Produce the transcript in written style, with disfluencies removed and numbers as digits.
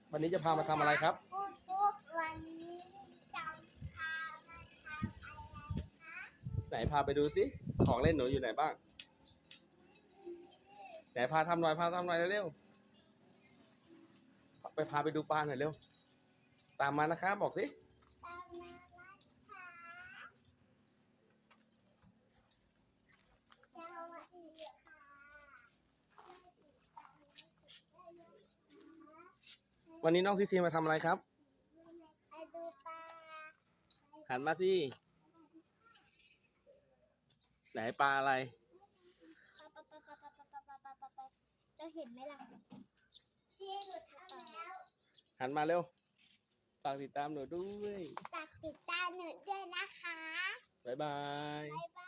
วันนี้จะพามาทำอะไรครับปุ๊บวันนี้จะพามาทำอะไรคะไหนพาไปดูสิของเล่นหนูอยู่ไหนบ้างไหนพาทำหน่อยเร็วๆพาไปดูปลาหน่อยเร็วตามมานะคะบอกสิตามมานะคะสวัสดีค่ะวันนี้น้องซีซีมาทำอะไรครับไปดูปลาหันมาสิไหนปลาอะไรเราเห็นไหมล่ะชี้หนูทำแล้วหันมาเร็วฝากติดตามหนูด้วยฝากติดตามหนูด้วยนะคะบ๊ายบายบ๊ายบาย